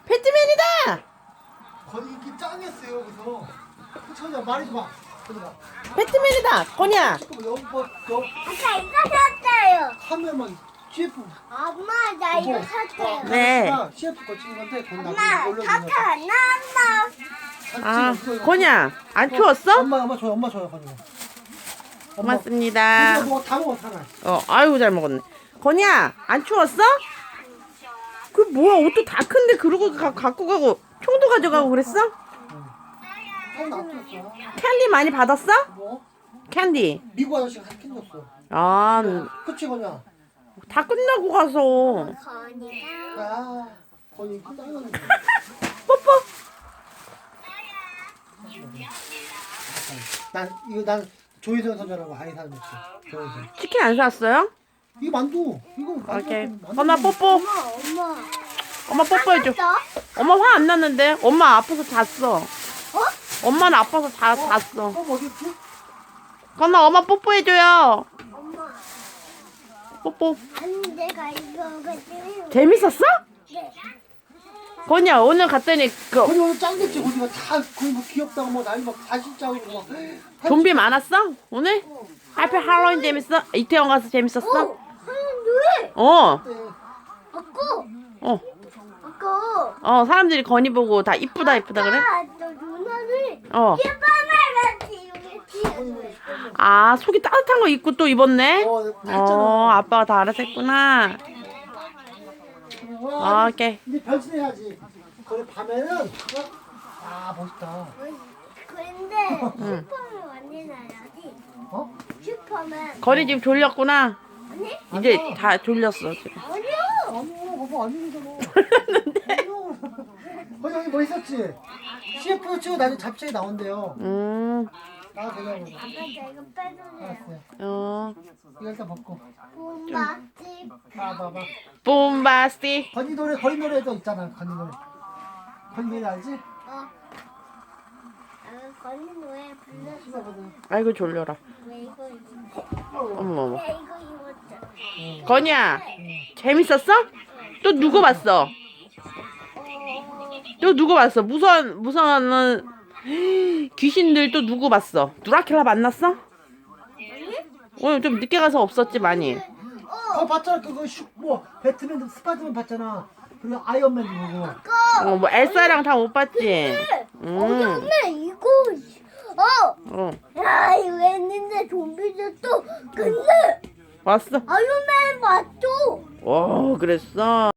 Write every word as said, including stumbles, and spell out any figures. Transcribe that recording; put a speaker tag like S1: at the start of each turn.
S1: 배트맨이다.
S2: 거기 이렇게 짱이었어요. 그래서 천천히 말해줘 봐. 천천히.
S1: 배트맨이다. 건이야.
S2: 여기 뭐 여.
S3: 아까 이거 샀어요.
S2: 하면 막 씨에프.
S3: 엄마 나 이거 샀어요.
S1: 네.
S2: 씨에프 거치는 건데 건
S3: 엄마
S2: 나중에 올려주면.
S3: 사탕 안 나왔나?
S1: 아, 건이야. 안 추웠어?
S2: 엄마 엄마 줘요. 엄마 줘요. 건이.
S1: 고맙습니다.
S2: 뭐다 먹었어 하나.
S1: 어, 아이고 잘 먹었네. 건이야, 안 추웠어? 그 뭐야, 옷도 다 큰데 그러고 가, 갖고 가고 총도 가져가고 그랬어?
S2: 형 놔뒀어.
S1: 캔디 많이 받았어?
S2: 뭐?
S1: 캔디.
S2: 미국 아저씨가 사킨 줬어.
S1: 아,
S2: 그치 건이야.
S1: 다 끝나고 가서.
S3: 건이가
S2: 아, 건이 짱이었는데.
S1: 뽀뽀.
S2: 난 이거 난 조희선 선전하고 아이 사는 거지. 조희선.
S1: 치킨 안 샀어요?
S2: 이거 만두. 이거 만두.
S1: 오케이.
S2: 만두.
S1: 엄마 뽀뽀.
S3: 엄마 엄마
S1: 엄마 뽀뽀해줘.
S3: 샀어?
S1: 엄마 화 안 났는데? 엄마 아파서 잤어. 엄마는 아파서 다 잤어.
S2: 어, 어디 있지?
S1: 건아, 엄마 뽀뽀해줘요.
S3: 엄마
S1: 뽀뽀.
S3: 아니 내가 이거 가지고
S1: 재밌었어?
S3: 네.
S1: 건이야, 오늘 갔더니 그
S2: 건이 오늘 짱겠지. 건이가 다 거의 뭐 귀엽다고 뭐 난리 막 사실짜고 막.
S1: 좀비 많았어? 오늘? 하필 할로윈 재밌어? 이태원 가서 재밌었어?
S3: 어 하는데
S1: 어.
S3: 아까
S1: 어.
S3: 아까
S1: 어, 사람들이 건이 보고 다 이쁘다 이쁘다 그래?
S3: 아까 너 누나를
S1: 어.
S3: 예뻐만 같이 이렇게
S1: 아, 속이 따뜻한 거 입고 또 입었네?
S2: 어,
S1: 어,
S2: 했잖아.
S1: 아빠가 다 알아서 했구나.
S2: 와,
S1: 오케이.
S2: 근데 변신해야지. 거기 밤에는 아 멋있다.
S3: 근데 슈퍼맨 만들어야지.
S2: 어?
S3: 슈퍼맨
S1: 건이 지금 졸렸구나.
S3: 아니?
S1: 이제 다 졸렸어 지금.
S3: 아니요.
S2: 아니요, 봐봐 아니잖아. 거기 여기 뭐 있었지? 씨에프 치고 나중에 잡채에 나온대요.
S1: 음,
S2: 나 그냥
S3: 아까 저 이거 빼주세요.
S2: 알았어요.
S1: 어.
S2: 이거 일단 먹고.
S3: 봄맛집.
S2: 봐봐봐.
S1: 봄바스티.
S2: 건이 노래, 건이 노래도 있잖아. 건이 노래. 건이 노래 알지?
S3: 어. 아, 건이 노래 불렀어.
S2: 신나거든.
S1: 아이고 졸려라.
S3: 왜 이거 입었지?
S1: 어머 어머.
S3: 왜 이거 입었지?
S1: 건이야, 재밌었어? 또 누구 봤어? 또 누구 봤어? 무서운 무서운 귀신들 또 누구 봤어? 누라킬라 만났어? 오늘 좀 늦게 가서 없었지 많이.
S2: 어 봤잖아. 그거 슈, 뭐 배트맨, 스파이더맨 봤잖아. 그리고 아이언맨 보고.
S1: 어, 뭐 엘사랑 다 못 봤지. 음.
S3: 엄마 이거 어.
S1: 어,
S3: 야 이거 했는데 좀비들 또 근데
S1: 왔어.
S3: 아이언맨 맞죠?
S1: 어, 그랬어.